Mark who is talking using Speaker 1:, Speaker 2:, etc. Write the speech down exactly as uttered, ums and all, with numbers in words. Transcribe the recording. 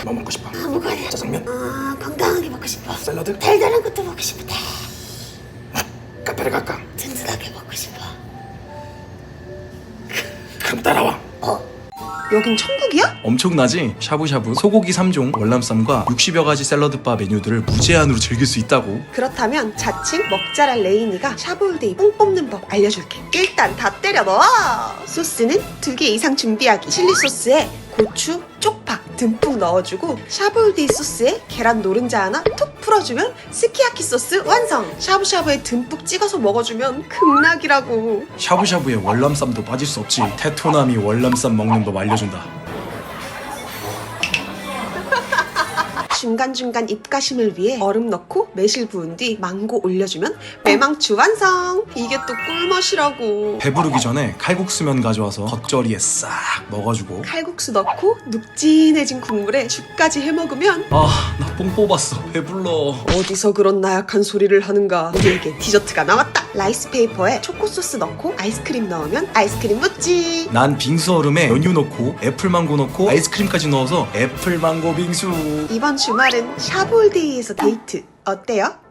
Speaker 1: 뭐 먹고 싶어?
Speaker 2: 아무거나.
Speaker 1: 짜장면?
Speaker 2: 아, 건강하게 먹고 싶어.
Speaker 1: 샐러드?
Speaker 2: 달달한 것도 먹고 싶다.
Speaker 1: 카페를 갈까?
Speaker 2: 든든하게 먹고 싶어.
Speaker 1: 그럼 따라와.
Speaker 2: 어?
Speaker 3: 여긴 천국이야?
Speaker 4: 엄청나지? 샤브샤브, 소고기 삼 종, 월남쌈과 육십여 가지 샐러드바 메뉴들을 무제한으로 즐길 수 있다고.
Speaker 3: 그렇다면 자칭 먹자랄 레인이가 샤브울데이 뽕 뽑는 법 알려줄게. 일단 다 때려 넣어. 소스는 두 개 이상 준비하기. 칠리 소스에 고추, 쪽파 듬뿍 넣어주고 샤브울데이 소스에 계란 노른자 하나 톡 풀어주면 스키야키 소스 완성. 샤브샤브에 듬뿍 찍어서 먹어주면 극락이라고.
Speaker 4: 샤브샤브에 월남쌈도 빠질 수 없지. 테토남이 월남쌈 먹는 법 알려준다.
Speaker 3: 중간중간 입가심을 위해 얼음 넣고 매실 부은 뒤 망고 올려주면 매망추 완성. 이게 또 꿀맛이라고.
Speaker 4: 배부르기 전에 칼국수면 가져와서 겉절이에 싹 먹어주고.
Speaker 3: 칼국수 넣고 눅진해진 국물에 죽까지 해먹으면
Speaker 4: 아, 나 뽕 뽑았어. 배불러.
Speaker 3: 어디서 그런 나약한 소리를 하는가. 우리에게 디저트가 나왔다. 라이스 페이퍼에 초코 소스 넣고 아이스크림 넣으면 아이스크림 무찌.
Speaker 4: 난 빙수 얼음에 연유 넣고 애플망고 넣고 아이스크림까지 넣어서 애플망고 빙수.
Speaker 3: 이번 주말은 샤브올데이에서 데이트 어때요?